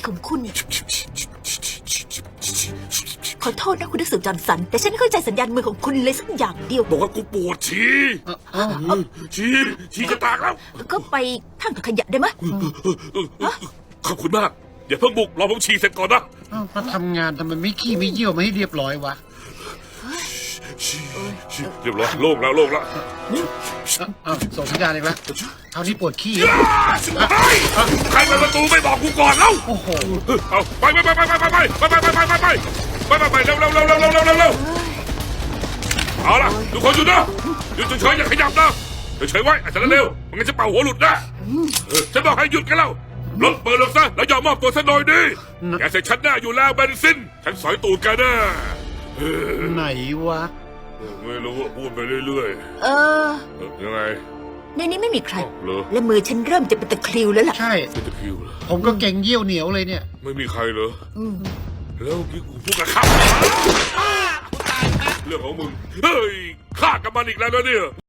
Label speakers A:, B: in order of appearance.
A: ของคุณขอโทษนะคุณนักสืบจอห์นสันแต่ฉันไม่เข้าใจสัญญาณมือของคุณเลยสักอย่างเดียว
B: บอกว่ากูปวดฉี่ฉี่จะแตกแล้ว
A: ก็ไปทางถังขยะได้ไหมย
B: ขอบคุณมากอย่าเพิ่งบุกรอผมฉี่เสร็จก่อนนะ
C: มาทำงานทำไมไม่ขี้ไม่เยี่ยวมาให้เรียบร้อยวะ
B: เรียบร้อยโล่งแล้ว
C: ส่งสัญญาณอีกแล้วคราวนี้ปวดขี้
B: ใครเปิดประตูไม่บอกกูก่อนแล้ว
C: โอ้โห
B: เอาไปเร็วเร็วเอาล่ะทุกคนหยุดนะหยุดเฉยอย่าขยับนะเฉยไว้อาจารย์เร็วมันงั้นจะเป่าหัวหลุดนะฉันบอกให้หยุดกันแล้วรถเปิดลงซะแล้วยอมมอบตัวซะหน่อยดิแกเสร็จฉันหน้าอยู่แล้วเบนซินฉันสอยตูดแกนะ
C: ไหนวะ
B: ไม่รู้พูดไปเรื่อยยังไง
A: ในนี้ไม่มีใคร
B: เหรอ
A: และมือฉันเริ่มจะเป็นตะคริวแล้วล่ะ
C: ใช่
B: เป็นตะคริวเหรอ
C: ผมก็เก่งเยี่ยวเหนียวเลยเนี่ย
B: ไม่มีใครเหรอแล้วพี่กูพูดกับข้าเรื่องของมึงเฮ้ยฆ่ากับมันอีกแล้วนะเนี่ย